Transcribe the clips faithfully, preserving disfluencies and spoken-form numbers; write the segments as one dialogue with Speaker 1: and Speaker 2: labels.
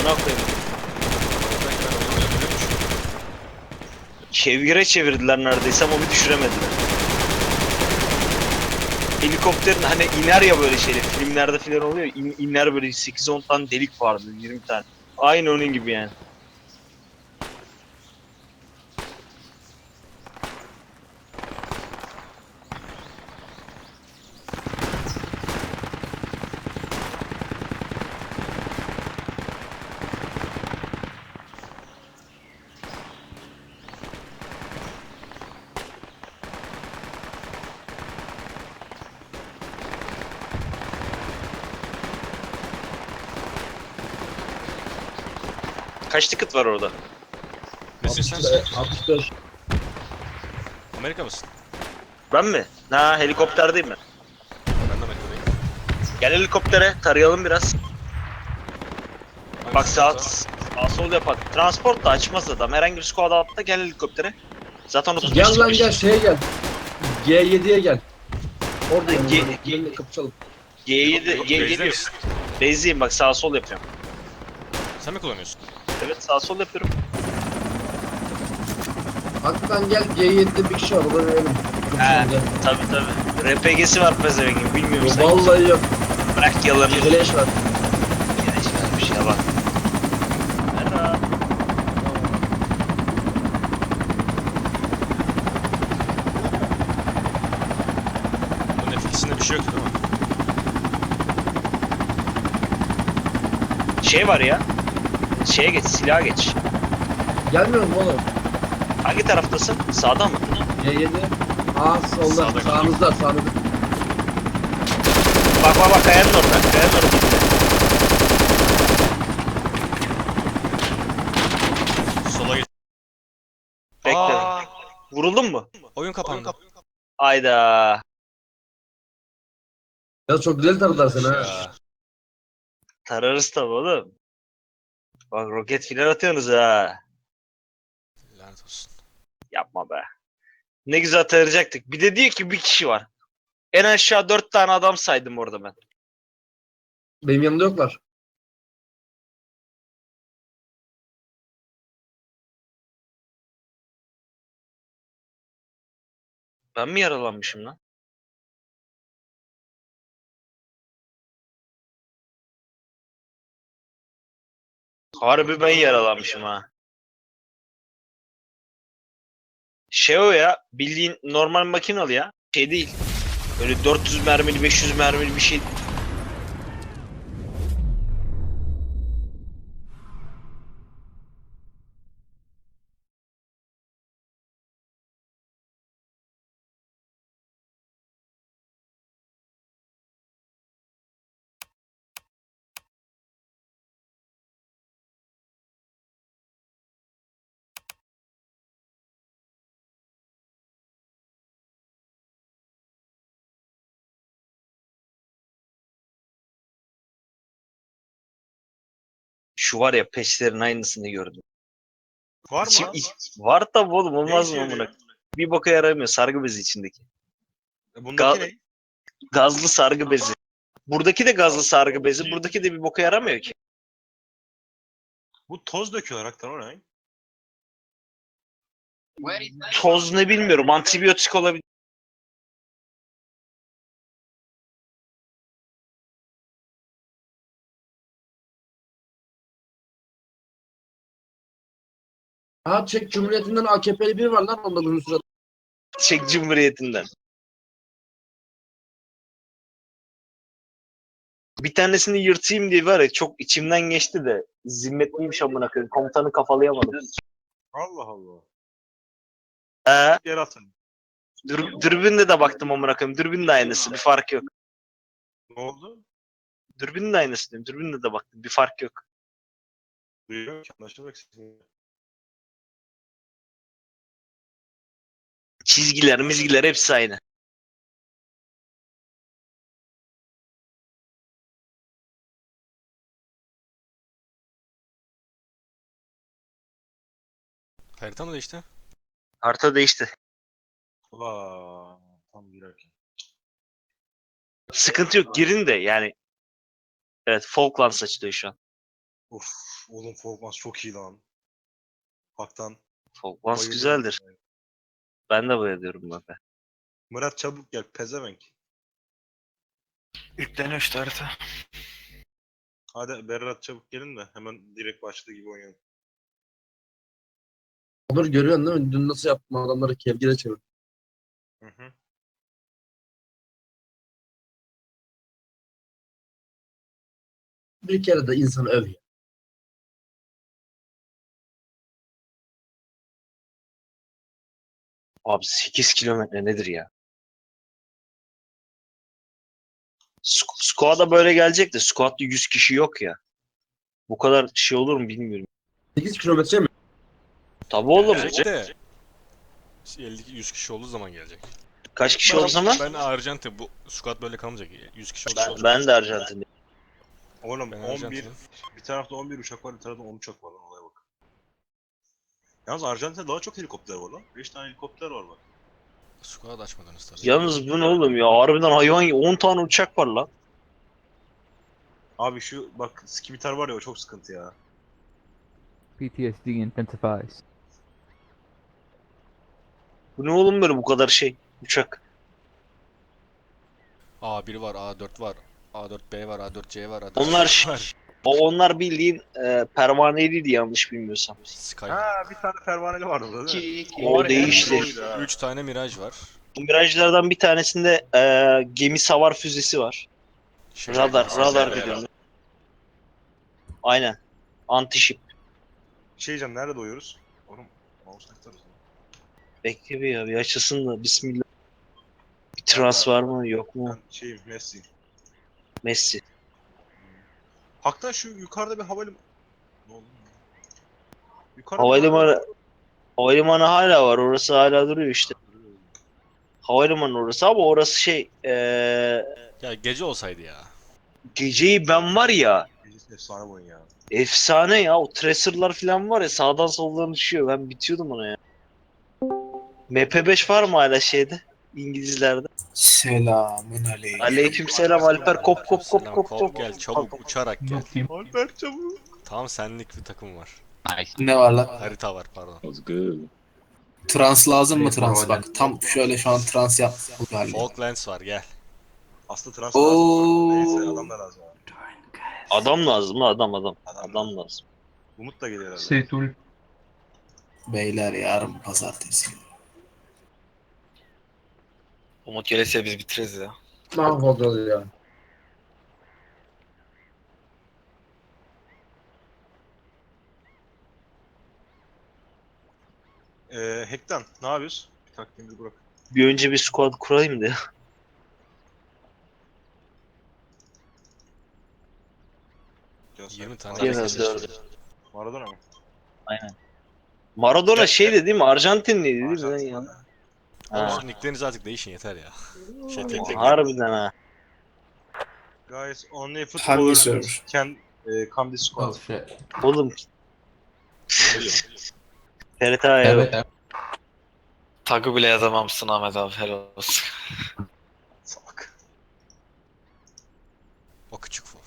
Speaker 1: amına koyayım.
Speaker 2: Belki ben onu yapıyormuşum.
Speaker 1: Çevire çevirdiler neredeyse ama bir düşüremediler. Helikopterin hani iner ya böyle şeyler filmlerde filan oluyor ya, in, iner böyle sekiz on tane delik vardı, yirmi tane. Aynı onun gibi yani. Kaç ticket var orada?
Speaker 2: Nesin sen?
Speaker 3: altmış dört.
Speaker 2: Amerika mısın?
Speaker 1: Ben mi? Ha, helikopterdeyim ben.
Speaker 2: Ben de Amerika'dayım.
Speaker 1: Gel helikoptere tarayalım biraz. Bak
Speaker 2: Hangisi
Speaker 1: sağ,
Speaker 2: yoksa?
Speaker 1: sağ sol yapak. Transport da açmaz adam. Herhangi bir squad atla gel helikoptere. Zaten otuz beş
Speaker 3: Gel lan gel şeye gel. G yediye gel. Oradayım.
Speaker 1: G-
Speaker 3: G,
Speaker 1: G-
Speaker 3: G, kapışalım.
Speaker 1: G yedi G
Speaker 2: Base'de
Speaker 1: geliyor.
Speaker 2: misin?
Speaker 1: Base'deyim bak, sağ sol yapıyorum.
Speaker 2: Sen mi kullanıyorsun?
Speaker 1: Evet, sağ sol yapıyorum.
Speaker 3: Hakikaten gel G yedide bir kişi var. Ona verelim.
Speaker 1: He,
Speaker 3: Kapışalım gel.
Speaker 1: tabi tabi. R P G'si var pezevengin, bilmiyorum sen.
Speaker 3: Vallahi yok.
Speaker 1: Bırak yalanı.
Speaker 3: Geleş var.
Speaker 1: Geleş vermiş yalan. Merhaba.
Speaker 2: Bunun etkisinde bir şey yok değil mi?
Speaker 1: Şey var ya. Şeye geç, silaha geç.
Speaker 3: Gelmiyor mu oğlum?
Speaker 1: Hangi taraftasın? Sağda mı?
Speaker 3: G yedi. Aa solda.
Speaker 2: Sağda.
Speaker 3: Sağınızda. Sağınızda.
Speaker 1: Bak bak bak, kayanın orada. Kayanın orada gitti.
Speaker 2: Sola git.
Speaker 1: Bekle.
Speaker 2: Aa,
Speaker 1: Vuruldun mu?
Speaker 2: oyun kapandı.
Speaker 1: Ayda.
Speaker 3: Ya çok güzel taradılar seni ha.
Speaker 2: Ya.
Speaker 1: Tararız tabi oğlum. Bak roket filan atıyorsunuz ha.
Speaker 2: Lanet olsun.
Speaker 1: Yapma be. Ne güzel tarayacaktık. Bir de diyor ki bir kişi var. En aşağı dört tane adam saydım orada ben.
Speaker 3: Benim yanımda yoklar.
Speaker 1: Ben mi yaralanmışım lan? Harbi ben yaralanmışım ha. Şey o ya, bildiğin normal makinalı ya. Şey değil. Öyle dört yüz mermili beş yüz mermili bir şey. Şu var ya, peşlerin aynısını gördüm.
Speaker 2: Var
Speaker 1: İçim,
Speaker 2: mı?
Speaker 1: iç- var tabi oğlum,
Speaker 2: Ne
Speaker 1: olmaz
Speaker 2: işe
Speaker 1: mı
Speaker 2: yarıyor?
Speaker 1: amına? Bir boka yaramıyor, sargı bezi içindeki.
Speaker 2: E,
Speaker 1: Ga-
Speaker 2: Bundaki ne?
Speaker 1: Gazlı sargı bezi. Buradaki de gazlı sargı bezi. Buradaki de bir boka yaramıyor ki.
Speaker 2: Bu toz döküyorlar hakikaten o ne?
Speaker 1: Toz ne bilmiyorum. Antibiyotik olabilir.
Speaker 3: Ha Çek Cumhuriyeti'nden A K P'li biri var lan onda uzun süre.
Speaker 1: Çek Cumhuriyeti'nden. Bir tanesini yırtayım diye var ya, çok içimden geçti de zimmetliymiş amına koyayım. Komutanı kafalayamadım.
Speaker 2: Allah Allah.
Speaker 1: Ee,
Speaker 2: Yer atın.
Speaker 1: dür, dürbünle de baktım amına koyayım. Dürbün de aynısı. Bir fark yok.
Speaker 2: Ne oldu?
Speaker 1: Dürbün de aynısı diyorum. Dürbünle de baktım. Bir fark yok.
Speaker 2: Duyuyor ki anlaşılmak sizin.
Speaker 1: Çizgiler, mizgiler hepsi aynı.
Speaker 2: Harita mı değişti?
Speaker 1: Harita değişti.
Speaker 2: Vaa. Tam girerken.
Speaker 1: Sıkıntı yok. Girin de yani. Evet, Falklands açılıyor şu an.
Speaker 2: Uf, oğlum Fogmas çok iyi lan. Baktan.
Speaker 1: Falklands
Speaker 2: bayılıyorum.
Speaker 1: güzeldir. Ben de bayılıyorum bak.
Speaker 2: Murat çabuk gel pezevenk.
Speaker 4: Yükleniyor işte harita.
Speaker 2: Hadi Berat çabuk gelin de hemen direkt başladığı gibi oynayalım.
Speaker 3: Onur görüyorsun değil mi? Dün nasıl yaptım adamları kevgire çevirdim.
Speaker 2: Hı hı.
Speaker 3: Bir kere de insanı öv ya.
Speaker 1: Abi sekiz kilometre nedir ya? Sk- Squad'a böyle gelecek de squad'da yüz kişi yok ya. Bu kadar şey olur mu bilmiyorum.
Speaker 3: sekiz kilometre mi?
Speaker 1: Tabii oğlum.
Speaker 5: Gelecek de elli yüz kişi olduğu zaman gelecek.
Speaker 1: Kaç kişi o zaman?
Speaker 5: Ben Arjantin bu squad böyle kalmayacak. yüz kişi olduğu
Speaker 1: Ben,
Speaker 5: zaman.
Speaker 1: ben de Arjantin'de.
Speaker 2: Oğlum
Speaker 5: Ben
Speaker 2: on bir,
Speaker 5: Arjantin'im.
Speaker 2: bir tarafta on bir uçak var, bir tarafta on uçak var lan, olaya bak. Yalnız Arjantin'de daha çok helikopter var lan. beş tane helikopter var bak.
Speaker 5: Squad açmadınız tabii.
Speaker 1: Yalnız bu ne oğlum ya? Harbiden hayvan on tane uçak var lan.
Speaker 2: Abi şu bak skimitar var ya, o çok sıkıntı ya.
Speaker 6: P T S D intensifies.
Speaker 1: Bu ne oğlum böyle bu kadar şey? Uçak.
Speaker 5: A bir var, A dört var, A dört B var, A dört C var, A dört
Speaker 1: Onlar
Speaker 5: C
Speaker 1: ş-
Speaker 5: var.
Speaker 1: O onlar bildiğin e, pervaneliydi yanlış bilmiyorsam.
Speaker 5: Sky.
Speaker 2: Ha bir tane pervaneli vardı burada değil mi?
Speaker 1: O değişti.
Speaker 5: üç tane Mirage var.
Speaker 1: Bu Mirage'lardan bir tanesinde e, gemi savar füzesi var.
Speaker 5: Şey,
Speaker 1: Radar,
Speaker 5: şey,
Speaker 1: radar
Speaker 5: şey,
Speaker 1: biliyorum. Aynen. Anti-ship.
Speaker 2: Şey diyeceğim, nerede doyuyoruz? Oğlum mouse aktarız.
Speaker 1: Bekle bir ya bir açılsın da bismillah. Bir trans var mı yok mu?
Speaker 2: Ben şeyim Messi.
Speaker 1: Messi.
Speaker 2: Hakikaten şu yukarıda bir havalimanı... Ne oldu? Yukarıda bir
Speaker 1: Havalimanı Havalimanı hala var. Orası hala duruyor işte. Havalimanı orası ama orası şey e,
Speaker 5: Ya gece olsaydı ya.
Speaker 1: geceyi ben var ya
Speaker 2: Gecesi efsane bu oyun ya.
Speaker 1: efsane ya o tracer'lar falan var ya sağdan soldan düşüyor. Ben bitiyordum ona ya. M P beş var mı hala şeyde? İngilizlerde.
Speaker 4: Selamün aleyküm.
Speaker 1: Aleykümselam Alper kop kop kop
Speaker 5: Selam,
Speaker 1: kop
Speaker 5: kop
Speaker 1: kop.
Speaker 5: gel çabuk uçarak gel.
Speaker 2: Alper çabuk.
Speaker 5: Tam senlik bir takım var.
Speaker 4: Ne var lan?
Speaker 5: Harita var pardon.
Speaker 4: Trans lazım mı
Speaker 3: Şey,
Speaker 4: trans?
Speaker 3: normal.
Speaker 4: Bak tam şöyle şu an trans yap. Bu galiba.
Speaker 5: Falklands var gel.
Speaker 2: Aslında trans
Speaker 4: Oo.
Speaker 2: lazım. Neyse adam da lazım abi.
Speaker 1: Adam lazım lan adam adam.
Speaker 2: Adam
Speaker 1: Adam lazım.
Speaker 2: Umut da geliyor herhalde.
Speaker 6: Setul.
Speaker 4: Beyler yarın pazartesi.
Speaker 7: Umut gelirse biz bitiririz ya.
Speaker 3: Mahvoldu ya.
Speaker 2: Eee Hektan ne yapıyoruz? Bir takvimimizi bırak.
Speaker 1: Bir önce bir squad kurayım da.
Speaker 2: Gel sen.
Speaker 5: yirmi tane
Speaker 1: Yine
Speaker 5: herkes
Speaker 1: dördü.
Speaker 5: yaşıyor.
Speaker 2: Maradona mı?
Speaker 1: Aynen. Maradona şeydi değil mi? Arjantinliydi değil mi?
Speaker 2: Arjantin.
Speaker 1: Yani.
Speaker 5: Oğlum
Speaker 1: Ha.
Speaker 5: şu nicklerinizi artık değişin yeter ya. Şey tek tek.
Speaker 1: Harbiden ha.
Speaker 2: Guys, only
Speaker 4: Hangi
Speaker 2: footballers
Speaker 4: server?
Speaker 2: can e, come this squad.
Speaker 1: Oğlum. T R T evet.
Speaker 7: Tagı bile yazamamışsın Ahmet abi, helal olsun.
Speaker 2: Salak.
Speaker 5: O küçük fov.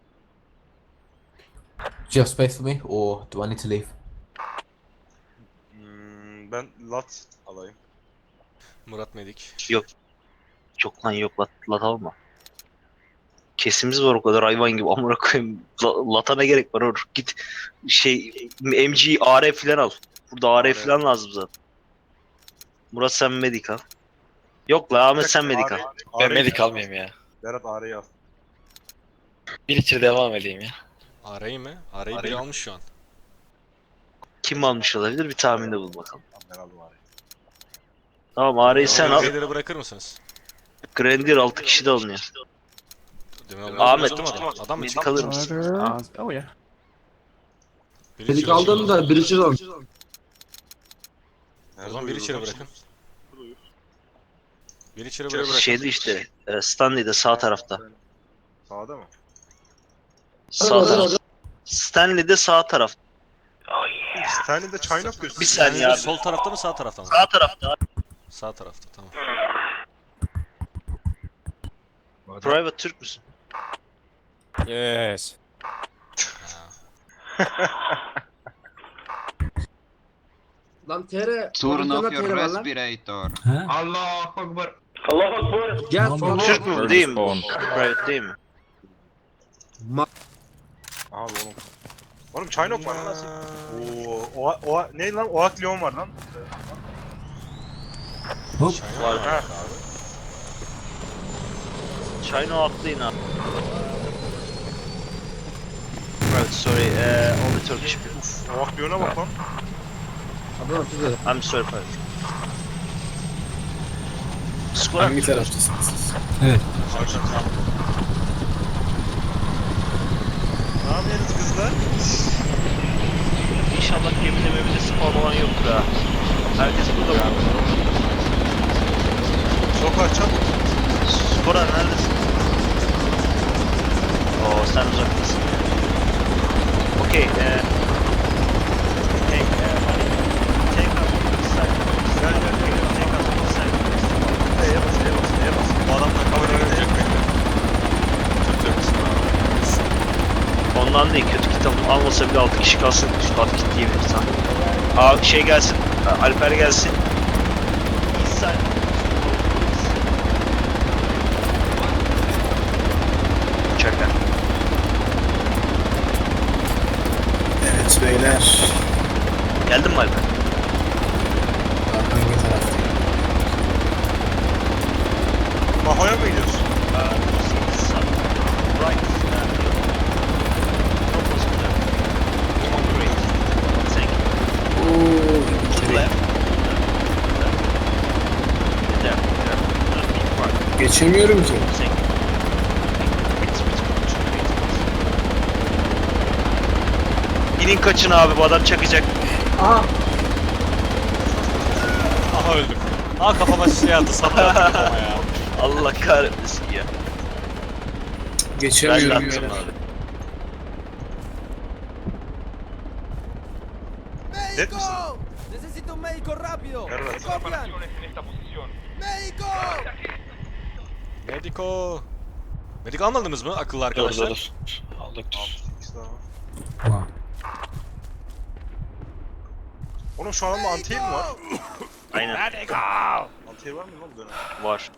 Speaker 8: Do you have space for me, or do I need to leave?
Speaker 2: Hmm, ben lat alayım.
Speaker 5: Murat Medik.
Speaker 1: Yok. Çok lan yok lat, lat alma. Kesimiz var o kadar hayvan gibi amına koyayım. La- Lata ne gerek var or. Git şey M G A R falan al. Burada A R
Speaker 2: A R.
Speaker 1: falan lazım zaten. Murat sen medik al. Yok la Ahmet sen medik al.
Speaker 7: Ben medik almayayım ya.
Speaker 2: Berat Ağrı'yı al.
Speaker 7: Bir içeri devam edeyim ya.
Speaker 5: Arayı mı? Arayı biri
Speaker 1: Arayı-
Speaker 5: almış şu an.
Speaker 1: Kim almış olabilir bir tahminde bul bakalım.
Speaker 2: Ben aldım Ağrı'yı.
Speaker 1: Tamam A R'yi sen al.
Speaker 5: Raider'ı bırakır mısınız?
Speaker 1: Grenadier altı kişi de alınıyor.
Speaker 5: Demin
Speaker 1: Ahmet,
Speaker 5: Ahmet. Adam, adam, adam mı
Speaker 1: Medik
Speaker 5: çıktı?
Speaker 1: alır mısın?
Speaker 6: Oh yeah.
Speaker 5: Biri
Speaker 3: Dedik
Speaker 5: içeri
Speaker 3: aldın
Speaker 5: bırakın.
Speaker 3: da bir içeri al.
Speaker 5: O zaman biri içeri bırakın. Biri içeri
Speaker 2: İçeri
Speaker 5: bırakın.
Speaker 2: bırak.
Speaker 1: Şeyde işte e, Stanley'de sağ tarafta.
Speaker 2: Sağda mı?
Speaker 1: Sağ tarafta. Stanley'de sağ tarafta.
Speaker 2: Stanley'de China gösteriyor.
Speaker 1: Bir saniye
Speaker 5: Yani
Speaker 1: abi.
Speaker 5: sol tarafta mı sağ tarafta mı?
Speaker 1: Sağ tarafta.
Speaker 5: Sağ tarafta tamam.
Speaker 1: Private Türk müsün?
Speaker 6: Yes.
Speaker 5: Ha.
Speaker 3: Lan T R.
Speaker 9: Turn off
Speaker 3: T R
Speaker 9: your
Speaker 3: var lan.
Speaker 9: respirator.
Speaker 3: Allahu Akbar. Gel sonra.
Speaker 1: Türk mü değil mi? Private değil mi?
Speaker 2: Abi oğlum. Oğlum Çaynok var lan. Oo, o, o, ne lan? Oak Leon var lan.
Speaker 1: Var.
Speaker 2: Ha.
Speaker 1: China atlayın abi. Right, sorry, uh, only Turkish people.
Speaker 2: Uf, Oak Leon'a bak lan.
Speaker 3: Adana güzel.
Speaker 1: I'm sorry, pardon. Skor
Speaker 4: Hangi taraftasınız siz?
Speaker 2: Arjan sen. Ne yapıyorsunuz kızlar?
Speaker 1: İnşallah gemide memide spawn olan yoktur ha. Herkes burada mı?
Speaker 2: Sokar çabuk.
Speaker 1: Skora neredesin? Oo sen uzaktasın. Okey, eee... Hey, eee... Take up this side.
Speaker 2: Gel gel gel.
Speaker 1: Take up this side.
Speaker 2: E'ye bas, E'ye bas, E'ye bas. Bu adamlar kameraya verecek mi?
Speaker 5: Çok yakışsın abi.
Speaker 1: Ondan değil, kötü kitap almasa bile altı kişi kalsın, üstü altı kit diyebiliriz ha. Aa şey gelsin, Alper gelsin. East side. Uçaklar.
Speaker 4: Evet beyler.
Speaker 1: Geldin mi Alper?
Speaker 4: Hangi taraftayım?
Speaker 2: Mahoya mı gidiyorsun?
Speaker 1: Right. Thank you.
Speaker 4: Ooo.
Speaker 1: To the left. There, there.
Speaker 4: Geçemiyorum ki.
Speaker 1: Thank you. İnin kaçın abi, bu adam çakacak.
Speaker 3: Aha.
Speaker 5: Aha öldüm. Aa kafama şey attı sapla attı kafama ya.
Speaker 1: Allah kahretmesin ya. Ben de
Speaker 4: Geçemiyorum
Speaker 1: attım
Speaker 4: beyler.
Speaker 1: abi.
Speaker 2: Dead misin?
Speaker 10: Necesito un médico rápido.
Speaker 2: Evet.
Speaker 10: ¿Me copian? ¡Médico!
Speaker 5: Mediko. Medik almadınız mı akıllı
Speaker 7: Dur
Speaker 5: arkadaşlar?
Speaker 7: dur dur. Aldık dur.
Speaker 2: Tamam. Oğlum şu adamda anti mi var?
Speaker 1: Aynen,
Speaker 2: Anti var mı lan bu dönem?
Speaker 1: var.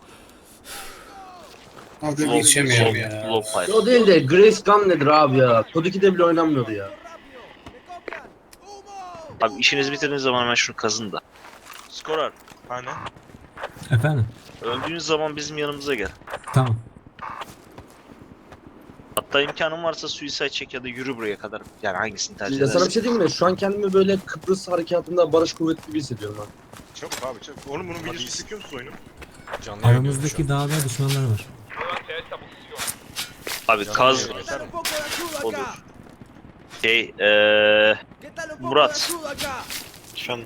Speaker 4: Abi
Speaker 1: Low-
Speaker 4: geçemiyorum
Speaker 1: low-
Speaker 4: ya.
Speaker 1: Low pipe.
Speaker 3: O değil de Grace Gun nedir abi ya? Kod iki'de bile oynanmıyordu ya.
Speaker 10: ¡Me copian! ¡Humo!
Speaker 1: Abi işinizi bitirdiğiniz zaman hemen şunu kazın da. Skorar,
Speaker 2: Hani?
Speaker 11: Efendim?
Speaker 1: öldüğünüz zaman bizim yanımıza gel.
Speaker 11: Tamam.
Speaker 1: Hatta imkanın varsa suicide çek ya da yürü buraya kadar. Yani hangisini tercih
Speaker 3: Ya sana bir
Speaker 1: edersin?
Speaker 3: şey diyeyim mi? Şu an kendimi böyle Kıbrıs harekatında barış kuvveti gibi hissediyorum ha.
Speaker 2: Çabuk abi çabuk. Oğlum bunun videosunu çekiyor musun oyunu?
Speaker 5: Canlı yayın diyoruz
Speaker 11: Aramızdaki dağda düşmanlar var.
Speaker 1: Abi kaz
Speaker 5: Canlı
Speaker 10: ¿Qué tal un poco de ayuda
Speaker 1: olur.
Speaker 10: acá?
Speaker 1: Şey, eee...
Speaker 10: ¿Qué tal un poco de
Speaker 1: Murat.
Speaker 10: ayuda acá?
Speaker 7: Efendim.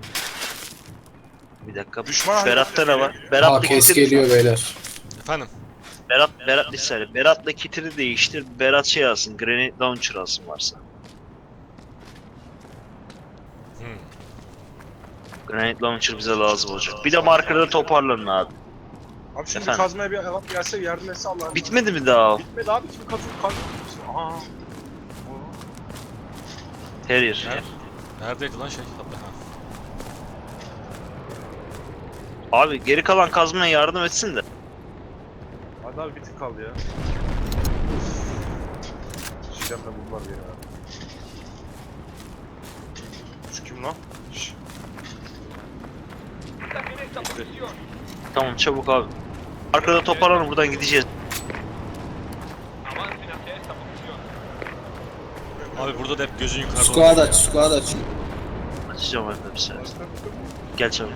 Speaker 1: Bir dakika.
Speaker 2: Düşman
Speaker 1: Berat'ta ne var?
Speaker 2: geliyor.
Speaker 1: Berat'la
Speaker 4: Aa kes
Speaker 1: kitiri...
Speaker 4: geliyor beyler.
Speaker 5: Efendim.
Speaker 1: Berat, Berat listeli. Berat'la kitiri değiştir. Berat şey alsın. Granite Launcher alsın varsa.
Speaker 5: Hmm.
Speaker 1: Granite Launcher bize lazım olacak. Bir de marker'da toparlanın abi.
Speaker 2: Abi şimdi
Speaker 1: Efendim?
Speaker 2: kazmaya bir adam gelse yardım etse Allah'ım.
Speaker 1: Bitmedi mi daha o?
Speaker 2: Bitmedi abi. Şimdi kazı kazı. Aha.
Speaker 1: Terrier.
Speaker 5: Nerede? Neredeydi lan şey? Hatta ha.
Speaker 1: Abi geri kalan kazmaya yardım etsin de.
Speaker 2: Hadi abi bir tık kaldı ya. Şişem de buldular bir yere abi. Şu kim lan? Şşş.
Speaker 1: Tamam çabuk abi. Arkada toparlanın, buradan gideceğiz.
Speaker 5: Abi burada da hep gözün yukarıda
Speaker 4: Squad
Speaker 5: oluyor
Speaker 4: aç,
Speaker 5: ya.
Speaker 4: squad aç.
Speaker 1: Açacağım Alper bir saniye. Gel çabuk.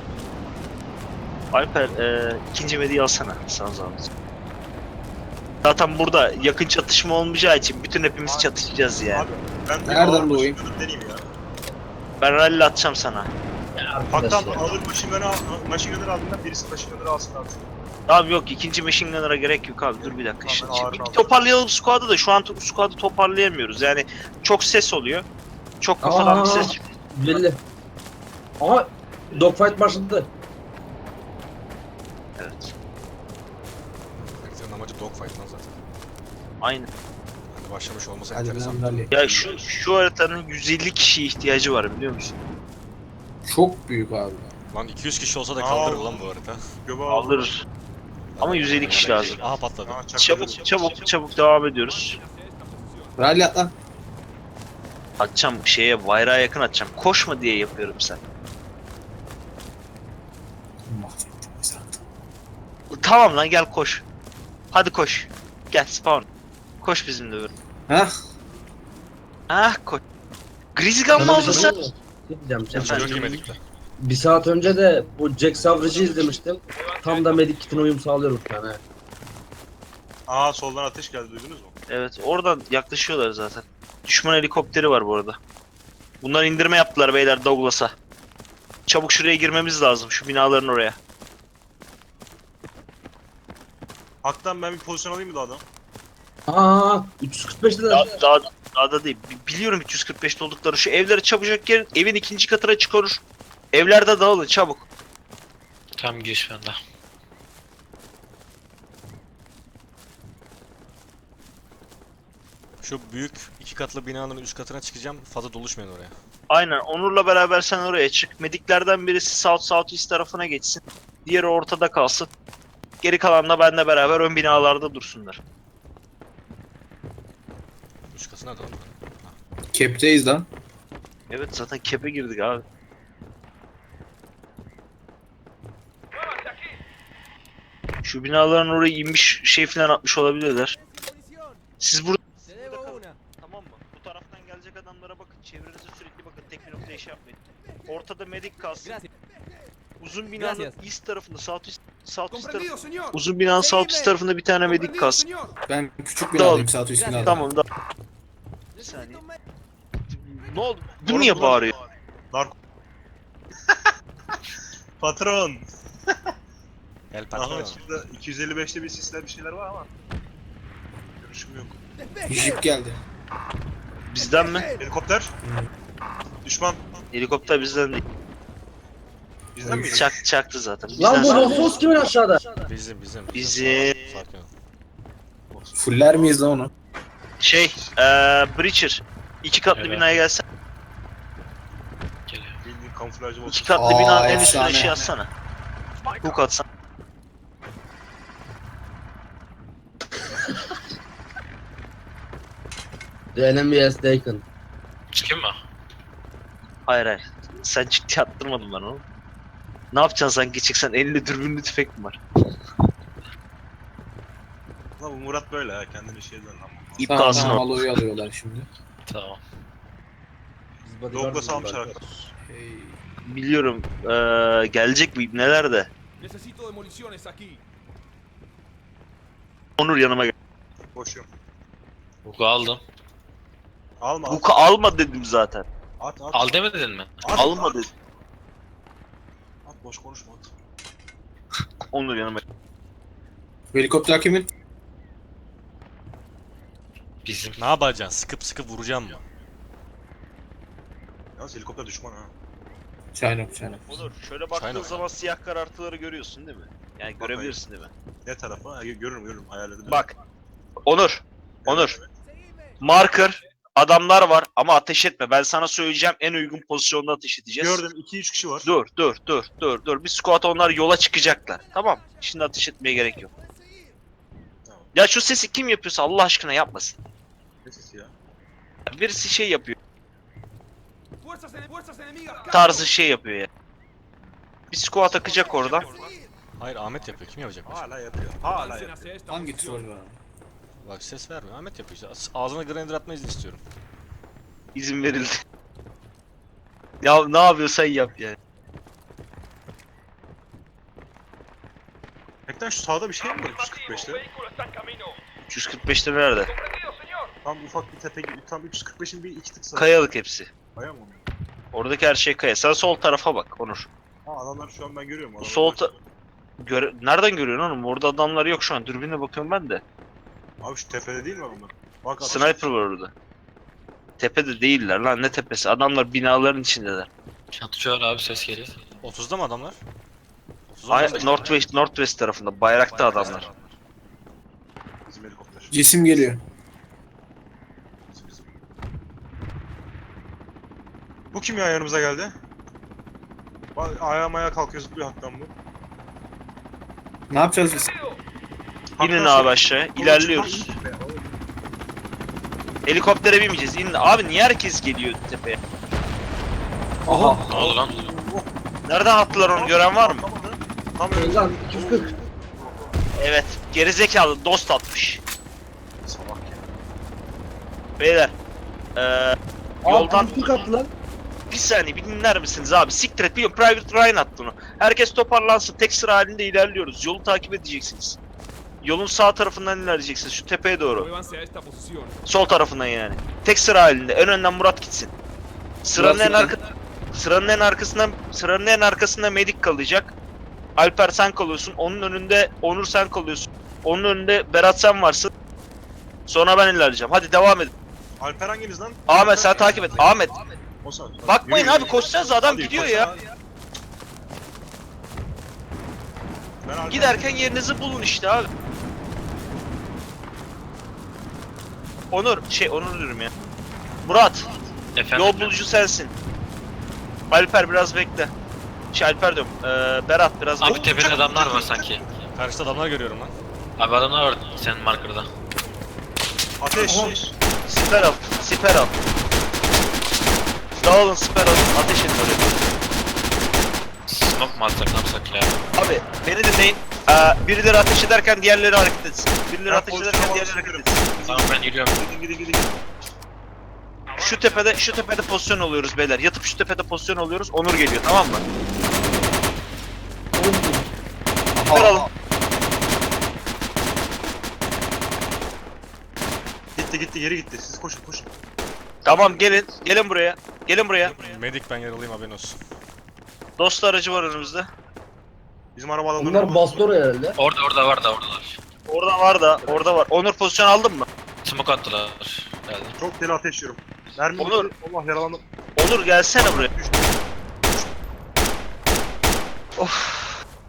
Speaker 1: Alper eee ikinci medyayı alsana. Sana zahmet. Zaten burada yakın çatışma olmayacağı için bütün hepimiz çatışacağız yani.
Speaker 2: Abi ben bir
Speaker 4: Nereden
Speaker 2: ağır
Speaker 4: doğayım?
Speaker 2: machine gunner deneyeyim ya.
Speaker 1: Ben rally atacağım sana.
Speaker 3: Arkadaş
Speaker 2: Hatta
Speaker 3: ya.
Speaker 2: alır machine gunner al, machine gunner aldığında birisi machine gunner alsın abi.
Speaker 1: Abi yok, ikinci machine gunner'a gerek yok abi, dur bir dakika.
Speaker 2: Tamam,
Speaker 1: Şimdi,
Speaker 2: ben ağır
Speaker 1: şimdi bir
Speaker 2: aldım.
Speaker 1: toparlayalım squad'ı da şu an to- squad'ı toparlayamıyoruz yani çok ses oluyor. Çok kafadan bir
Speaker 3: Aa.
Speaker 1: ses çıkıyor.
Speaker 3: Belli. Aha. Dogfight başladı.
Speaker 1: Evet.
Speaker 5: Heriflerin amacı dogfight lan zaten.
Speaker 1: Aynen.
Speaker 5: Başlamış olması
Speaker 4: Hadi
Speaker 5: enteresan.
Speaker 4: lan Rally.
Speaker 1: Ya şu şu haritanın yüz elli kişiye ihtiyacı var biliyor musun?
Speaker 4: Çok büyük abi.
Speaker 5: Lan iki yüz kişi olsa da
Speaker 2: Aa.
Speaker 5: kaldırır lan bu harita.
Speaker 2: Göbe
Speaker 1: Alır. Ama yüz elli kişi lazım.
Speaker 5: Aha patladı.
Speaker 2: Aa, çakladı.
Speaker 1: Çabuk çabuk çabuk devam ediyoruz.
Speaker 4: Rally at lan.
Speaker 1: Atacağım şeye bayrağa yakın atacağım. Koşma diye yapıyorum sen.
Speaker 4: Mahvettim zaten.
Speaker 1: Tamam lan gel koş. Hadi koş. Gel spawn. Koş bizimle böyle.
Speaker 4: Hah.
Speaker 1: Ah koş. Grizzly Gun mı
Speaker 3: Sana bir
Speaker 1: aldın
Speaker 3: şey
Speaker 1: sen?
Speaker 3: diyeyim mi? Ne diyeceğim sen?
Speaker 1: Efendim?
Speaker 5: Çok iyi medikler.
Speaker 3: Bir saat önce de bu Jack Savrage'ı izlemiştim. Tam da Medic Kit'ine uyum sağlıyorum şu an he.
Speaker 2: Aa soldan ateş geldi duydunuz mu?
Speaker 1: Evet oradan yaklaşıyorlar zaten. Düşman helikopteri var bu arada. Bunlar indirme yaptılar beyler Douglas'a. Çabuk şuraya girmemiz lazım şu binaların oraya.
Speaker 2: Haktan ben bir pozisyon alayım mı dağdan?
Speaker 3: Aa üç yüz kırk beşte de
Speaker 1: Daha, daha, daha da değil. Bi- Biliyorum üç yüz kırk beşte oldukları şu evlere çabucak gelin. Evin ikinci katına çıkarır. Evlerde dağılın çabuk.
Speaker 7: Tam giriş bende.
Speaker 5: Şu büyük iki katlı binanın üst katına çıkacağım. Fazla doluşmayın oraya.
Speaker 1: Aynen Onur'la beraber sen oraya çık. Mediklerden birisi South South East tarafına geçsin. Diğeri ortada kalsın. Geri kalan da benle beraber ön binalarda dursunlar.
Speaker 5: Üst katına da.
Speaker 4: Kepteyiz lan.
Speaker 1: Evet zaten kepe girdik abi. Şu binaların oraya inmiş şey falan atmış olabilirler.
Speaker 10: Munición.
Speaker 1: Siz burada
Speaker 10: Te debo una.
Speaker 1: tamam mı? Bu taraftan gelecek adamlara bakın. Çevrenize sürekli bakın. Tek bir noktaya şey yapmayın. Ortada medik kalsın.
Speaker 10: Gracias.
Speaker 1: Uzun binanın
Speaker 10: Gracias.
Speaker 1: east tarafında, south east, south east
Speaker 10: Comprendido,
Speaker 1: tarafı,
Speaker 10: señor.
Speaker 1: uzun binanın south east tarafında bir tane medik
Speaker 10: Comprendido,
Speaker 1: kalsın.
Speaker 10: señor.
Speaker 4: Ben küçük
Speaker 1: Dağıl.
Speaker 4: binadayım saat üst binada.
Speaker 1: Tamam da. Bir saniye. Ne oldu? Bu niye bağırıyor?
Speaker 2: Narko. Patron.
Speaker 5: El
Speaker 2: Aha
Speaker 5: patron.
Speaker 2: şurada iki yüz elli beşte bir sisler bir şeyler var ama. Görüşüm yok.
Speaker 4: Jip geldi.
Speaker 1: Bizden mi?
Speaker 2: Helikopter. Düşman.
Speaker 1: Helikopter bizden değil.
Speaker 2: Bizden mi?
Speaker 1: Çak, çaktı zaten.
Speaker 3: Lan bu
Speaker 1: Bizden
Speaker 3: Rosos kimin aşağıda?
Speaker 5: Bizim bizim.
Speaker 1: Bizim.
Speaker 5: Sakin ol.
Speaker 4: Fuller miyiz lan onu?
Speaker 1: Şey, eee Breacher. İki katlı
Speaker 7: Evet.
Speaker 1: binaya gelsen.
Speaker 7: Geliyor.
Speaker 2: Bildiğin kamuflajı olsun.
Speaker 1: İki katlı
Speaker 4: Aa,
Speaker 1: binanın en üstüne
Speaker 4: efsane.
Speaker 1: şey atsana. Hook atsan.
Speaker 3: The enemy has taken.
Speaker 7: Çıkayım mı?
Speaker 1: Hayır hayır. Sen ciddi attırmadın bana oğlum. Ne yapacaksın sanki çıksan elinde dürbünlü tüfek mi var?
Speaker 2: Lan bu Murat böyle ha kendini şeyden lan.
Speaker 1: İp
Speaker 4: Tamam,
Speaker 1: kalsın
Speaker 4: tamam,
Speaker 1: orada.
Speaker 4: Aloy'u alıyorlar şimdi.
Speaker 7: Tamam.
Speaker 3: Biz bodyguard
Speaker 2: Douglas
Speaker 3: mıyız
Speaker 2: almışlar
Speaker 3: zaten?
Speaker 2: hakikaten.
Speaker 4: Hey.
Speaker 1: Biliyorum eee gelecek bu neler de.
Speaker 10: Necesito demoliciones aquí.
Speaker 1: Onur yanıma gel.
Speaker 2: Boşuyorum.
Speaker 7: Bugu aldım.
Speaker 2: Alma at.
Speaker 1: Hook'u alma dedim zaten.
Speaker 2: At at.
Speaker 7: Al demedin mi?
Speaker 2: At,
Speaker 1: Alma
Speaker 2: at.
Speaker 1: dedim.
Speaker 2: At boş konuşma at.
Speaker 1: Onur yanıma gel.
Speaker 4: Bu helikopter kimin?
Speaker 7: Bizim.
Speaker 5: Ne yapacaksın? Sıkıp sıkıp vuracağım mı?
Speaker 2: Yalnız helikopter düşman ha.
Speaker 4: Çaynok çaynok.
Speaker 1: Onur şöyle baktığın
Speaker 5: China.
Speaker 1: zaman siyah karartıları görüyorsun değil mi? Yani
Speaker 2: Bakayım.
Speaker 1: görebilirsin değil mi?
Speaker 2: Ne tarafa? Ha, görürüm görürüm hayallerim.
Speaker 1: Bak. Onur. Onur.
Speaker 10: Seguime.
Speaker 1: Marker. Adamlar var ama ateş etme. Ben sana söyleyeceğim en uygun pozisyonda ateş edeceğiz.
Speaker 2: Gördüm iki üç kişi var.
Speaker 1: Dur dur dur dur dur. Bir squat onlar yola çıkacaklar. Tamam. Şimdi ateş etmeye gerek yok.
Speaker 2: Tamam.
Speaker 1: Ya şu sesi kim yapıyorsa Allah aşkına yapmasın.
Speaker 2: Ne sesi ya?
Speaker 1: Birisi şey yapıyor.
Speaker 10: Fuerzas, ene- fuerzas enemigas.
Speaker 1: Tarzı şey yapıyor ya. Bir squat akacak oradan.
Speaker 5: Hayır Ahmet yapıyor. Kim yapacak başka?
Speaker 2: Hala yapıyor. Hala
Speaker 10: Avancen
Speaker 2: yapıyor.
Speaker 10: hacia esta
Speaker 4: Hangi
Speaker 10: posición.
Speaker 4: troll var?
Speaker 5: Bak ses vermiyor. Ahmet yapıyor işte. As- Ağzına grinder atma izni istiyorum.
Speaker 1: İzin verildi. Ya ne yapıyorsan yap yani.
Speaker 2: Hekten şu sağda bir şey mi var üç yüz kırk beşte?
Speaker 1: üç yüz kırk beşte nerede?
Speaker 2: Tam ufak bir tepe gibi. Tam üç yüz kırk beşin bir iki tık sağı.
Speaker 1: Kayalık hepsi.
Speaker 2: Kaya mı?
Speaker 1: Oradaki her şey kaya. Sen sol tarafa bak Onur.
Speaker 2: Ha adamlar şu an ben görüyorum. Adamlar
Speaker 1: Sol ta- Göre Nereden görüyorsun oğlum? Orada adamlar yok şu an. Dürbünle bakıyorum ben de.
Speaker 2: Abi şu tepede değil mi onlar? Bak adam-
Speaker 1: Sniper var orada. Tepede değiller lan ne tepesi? Adamlar binaların içindeler.
Speaker 7: Çatışıyor abi ses geliyor.
Speaker 5: otuzda mı adamlar? otuzda
Speaker 1: Ay,
Speaker 5: mı?
Speaker 1: Northwest, Northwest tarafında. Bayrakta adamlar.
Speaker 2: Bizim helikopter.
Speaker 4: Cisim geliyor.
Speaker 2: Bu kim ya yanımıza geldi? Bak, ayağa ayağa kalkıyor zıplıyor Hak'tan bu.
Speaker 4: Ne yapacağız biz?
Speaker 1: İnin
Speaker 2: Hak'tan
Speaker 1: abi
Speaker 2: şey-
Speaker 1: aşağıya.
Speaker 2: Oğlum,
Speaker 1: İlerliyoruz.
Speaker 2: çıkma, in tepeye. Oğlum,
Speaker 1: Helikoptere binmeyeceğiz. İnin. Abi niye herkes geliyor tepeye?
Speaker 4: Aha.
Speaker 7: Ne oldu lan?
Speaker 1: Nereden attılar onu gören var mı?
Speaker 2: Tam önümüzde.
Speaker 3: Lan iki yüz kırk.
Speaker 1: Evet. Gerizekalı dost atmış.
Speaker 2: Salak ya.
Speaker 1: Beyler. Eee
Speaker 3: Yoldan
Speaker 1: Yoldan-
Speaker 3: iki yüz kırk attı lan.
Speaker 1: bir saniye bir dinler misiniz abi? Siktir et. Biliyorum Private Ryan attı onu. Herkes toparlansın. Tek sıra halinde ilerliyoruz. Yolu takip edeceksiniz. Yolun sağ tarafından ilerleyeceksiniz. Şu tepeye doğru.
Speaker 10: Muévanse a esta posición.
Speaker 1: Sol tarafından yani. Tek sıra halinde. En önden Murat gitsin. Sıranın en
Speaker 4: Murat
Speaker 1: arka sıranın en arkasından sıranın en arkasında Medik kalacak. Alper sen kalıyorsun. Onun önünde Onur sen kalıyorsun. Onun önünde Berat sen varsın. Sonra ben ilerleyeceğim. Hadi devam edin.
Speaker 2: Alper hanginiz lan?
Speaker 1: Ahmet sen takip et. Ahmet.
Speaker 2: O sen.
Speaker 1: Bakmayın
Speaker 2: Yürü,
Speaker 1: abi
Speaker 2: yürü.
Speaker 1: koşacağız adam
Speaker 2: Hadi,
Speaker 1: gidiyor
Speaker 2: koş
Speaker 1: ya.
Speaker 2: lan. Ben Alper-
Speaker 1: Giderken yerinizi bulun işte abi. Onur şey Onur diyorum ya. Murat
Speaker 7: Efendim?
Speaker 1: yol bulucu sensin. Alper biraz bekle. Şey Alper diyorum. Ee, Berat biraz
Speaker 7: Abi
Speaker 1: bekle.
Speaker 7: tepede adamlar var sanki.
Speaker 5: Karşıda adamlar görüyorum lan.
Speaker 7: Abi adamlar var senin markerda.
Speaker 2: Ateş.
Speaker 1: Siper al. Siper al. Dağılın siper alın. Ateş edin oraya.
Speaker 7: Smoke mu atsak ne yapsak ya?
Speaker 1: Abi beni dinleyin. Ee, birileri ateş ederken diğerleri hareket etsin. Birileri
Speaker 2: Ben
Speaker 1: ateş
Speaker 2: pozisyon
Speaker 1: ederken
Speaker 2: almak
Speaker 1: diğerleri hareket
Speaker 2: istiyorum.
Speaker 1: etsin.
Speaker 7: Tamam ben yürüyorum.
Speaker 2: Gidin gidin gidin.
Speaker 1: Şu tepede şu tepede pozisyon oluyoruz beyler. Yatıp şu tepede pozisyon oluyoruz. Onur geliyor tamam mı? Siper alın.
Speaker 2: Gitti gitti geri gitti. Siz koşun koşun.
Speaker 1: Tamam gelin. Gelin buraya. Gelin buraya.
Speaker 5: Medik ben yaralıyım haberin olsun.
Speaker 1: Dost aracı var önümüzde.
Speaker 2: Bizim araba alanları.
Speaker 3: Bunlar bastı oraya herhalde.
Speaker 7: Orada orada var da oradalar.
Speaker 1: Orada var da, orada var. Onur pozisyon aldın mı?
Speaker 7: Smoke attılar. Geldi.
Speaker 2: Çok deli ateş yiyorum. Mermi
Speaker 1: Onur.
Speaker 2: bitti. Allah yaralandım.
Speaker 1: Onur gelsene buraya.
Speaker 2: Düştü.
Speaker 1: Of.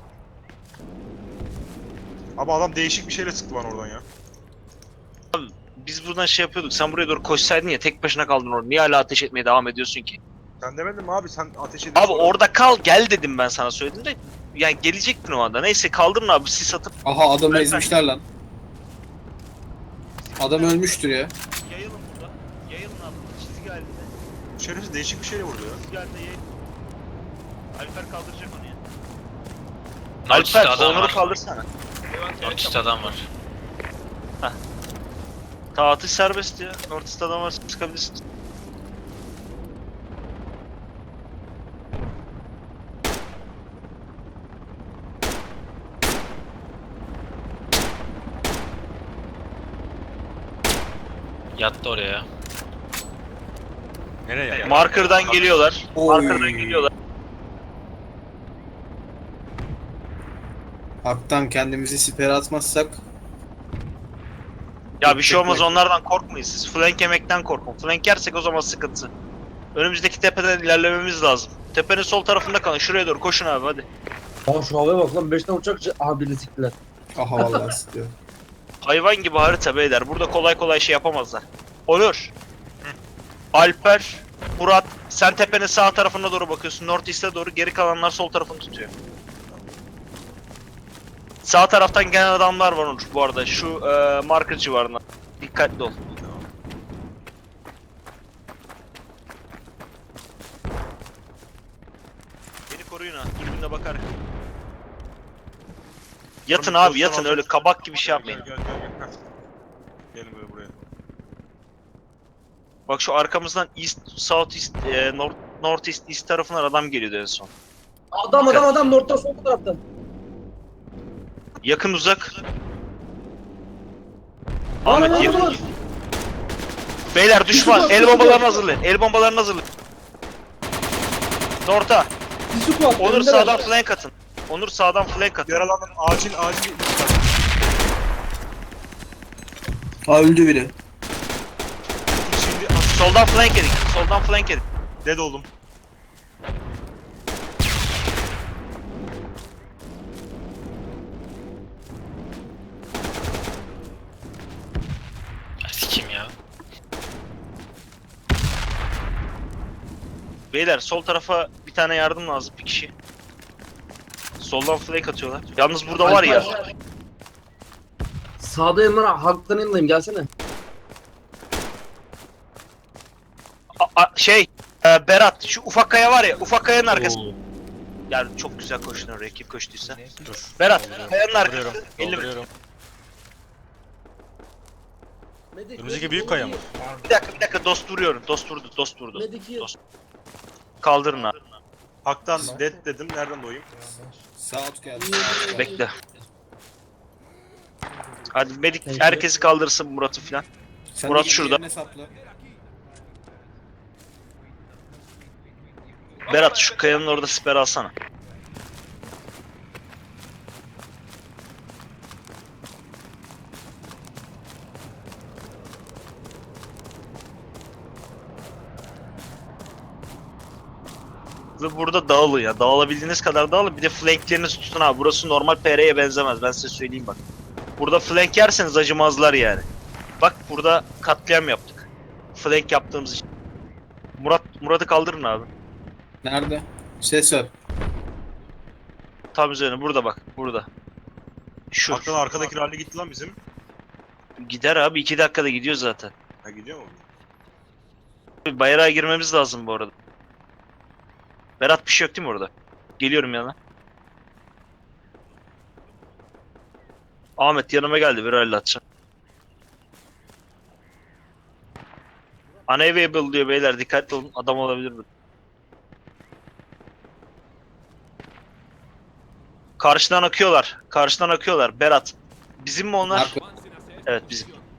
Speaker 2: Abi adam değişik bir şeyle sıktı bana oradan ya.
Speaker 1: Biz buradan şey yapıyorduk. Sen buraya doğru koşsaydın ya tek başına kaldın orada. Niye hala ateş etmeye devam ediyorsun ki?
Speaker 2: Sen demedin mi abi sen ateş ediyorsun.
Speaker 1: Abi orada kal gel dedim ben sana söyledim de. Yani gelecektin o anda. Neyse kaldırın abi sis atıp
Speaker 4: Aha adamı
Speaker 1: Ben-
Speaker 4: ezmişler lan. Adam ölmüştür ya.
Speaker 1: yayılın burada. Yayılın abi. Çizgi halinde.
Speaker 2: Şerefsiz değişik bir şeyle vurdu ya.
Speaker 1: Çizgi halinde yayılın. Alper kaldıracak onu ya.
Speaker 7: North East'te
Speaker 1: Alper
Speaker 7: adam
Speaker 1: Onur'u
Speaker 7: var.
Speaker 1: kaldırsana.
Speaker 7: North East'te adam var.
Speaker 1: Ta atış serbest ya. Northeast adam var sıkabilirsin.
Speaker 7: Yattı oraya.
Speaker 5: Nereye ya?
Speaker 1: Marker'dan geliyorlar.
Speaker 4: Oy.
Speaker 1: Marker'dan geliyorlar.
Speaker 4: Haktan kendimizi sipere atmazsak
Speaker 1: Ya bir şey olmaz
Speaker 4: Bekle.
Speaker 1: onlardan korkmayın siz. Flank yemekten korkun. Flank yersek o zaman sıkıntı. Önümüzdeki tepeden ilerlememiz lazım. Tepenin sol tarafında kalın. Şuraya doğru koşun abi hadi.
Speaker 3: Aa şu havaya bak lan beş tane uçak. Aha birini siktiler.
Speaker 4: aha vallahi sıkıyor.
Speaker 1: Hayvan gibi harita beyler. Burada kolay kolay şey yapamazlar. Onur. Alper. Murat. Sen tepenin sağ tarafına doğru bakıyorsun. North East'e doğru. Geri kalanlar sol tarafını tutuyor. Sağ taraftan gelen adamlar var Onur bu arada. Şu e, marker civarında. Dikkatli ol. Beni koruyun ha. Dürbünle bakar. Yatın abi yatın öyle kabak gibi şey yapmayın.
Speaker 2: Gel gel gel. Heh. Gelin böyle buraya.
Speaker 1: Bak şu arkamızdan east, south east, e, north, north east, east tarafından adam geliyordu en son.
Speaker 3: Adam adam adam North'tan sol taraftan.
Speaker 1: Yakın uzak.
Speaker 3: Lan
Speaker 1: Ahmet
Speaker 3: lan
Speaker 1: yakın.
Speaker 3: lan.
Speaker 1: Beyler düşman. El bombalarını hazırlayın. El bombalarını hazırlayın. North'a.
Speaker 3: Bir su var.
Speaker 1: Onur
Speaker 3: önünde
Speaker 1: sağdan
Speaker 3: var.
Speaker 1: flank atın. Onur sağdan flank atın.
Speaker 2: Yaralandım. Acil acil.
Speaker 4: Ha öldü biri.
Speaker 2: Şimdi
Speaker 1: Soldan flank edin. Soldan flank edin.
Speaker 2: dead oldum.
Speaker 7: Sikim ya.
Speaker 1: Beyler sol tarafa bir tane yardım lazım, bir kişi. Soldan flank atıyorlar. Yalnız burada var ya.
Speaker 3: Alper, sağda yanlara halktan yanındayım, gelsene.
Speaker 1: A- a- şey e, Berat, şu ufak kaya var ya, ufak kayanın arkası. Yani çok güzel koştun oraya, kim koştuysa.
Speaker 5: Dur.
Speaker 1: Berat,
Speaker 5: Dolduruyorum.
Speaker 1: kayanın arkası.
Speaker 5: Dolduruyorum.
Speaker 1: elli
Speaker 5: Dolduruyorum.
Speaker 3: Medik,
Speaker 5: Önümüzdeki
Speaker 3: medik,
Speaker 5: büyük kaya mı?
Speaker 1: Bir dakika, bir dakika, dost vuruyorum. Dost vurdu, dost vurdu.
Speaker 3: Medik,
Speaker 1: Dost. Kaldırın abi.
Speaker 2: Hak'tan dead dedim. Nereden doyayım?
Speaker 4: Saat geldi.
Speaker 1: Bekle. Hadi medik herkesi kaldırsın, Murat'ı filan.
Speaker 4: Sen
Speaker 1: Murat
Speaker 4: de
Speaker 1: şurada.
Speaker 4: yerine sapla.
Speaker 1: Berat şu kayanın orada siper alsana. Ve burada dağılın ya. Dağılabildiğiniz kadar dağılın. Bir de flanklerinizi tutun abi. Burası normal P R'ye benzemez. Ben size söyleyeyim bak. Burada flank yerseniz acımazlar yani. Bak burada katliam yaptık. Flank yaptığımız için. Murat Murat'ı kaldırın abi.
Speaker 4: Nerede? Ses ver.
Speaker 1: Tam üzerine burada bak. Burada. Şu.
Speaker 2: Hak'tan arkadaki rally gitti lan bizim.
Speaker 1: Gider abi. iki dakikada gidiyor zaten.
Speaker 2: Ha gidiyor mu?
Speaker 1: Bayrağa girmemiz lazım bu arada. Berat bir şey yok değil mi orada? Geliyorum yanına. Ahmet yanıma geldi, bir rally atacağım. Unavailable diyor beyler, dikkatli olun, adam olabilir mi? Karşıdan akıyorlar, karşıdan akıyorlar. Berat, bizim mi onlar?
Speaker 4: Arka-
Speaker 10: Avancen hacia esta
Speaker 1: Evet, bizim.
Speaker 10: posición.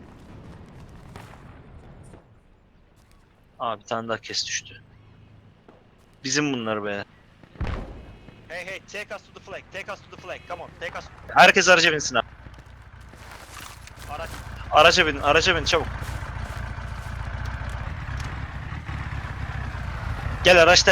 Speaker 1: Aa bir tane daha kes düştü. Bizim bunlar be. Hey hey, take us to the flag, take us to the flag, come on, take us. Herkes araca binsin abi. Araç, araca binin, araca binin çabuk. Gel araçta.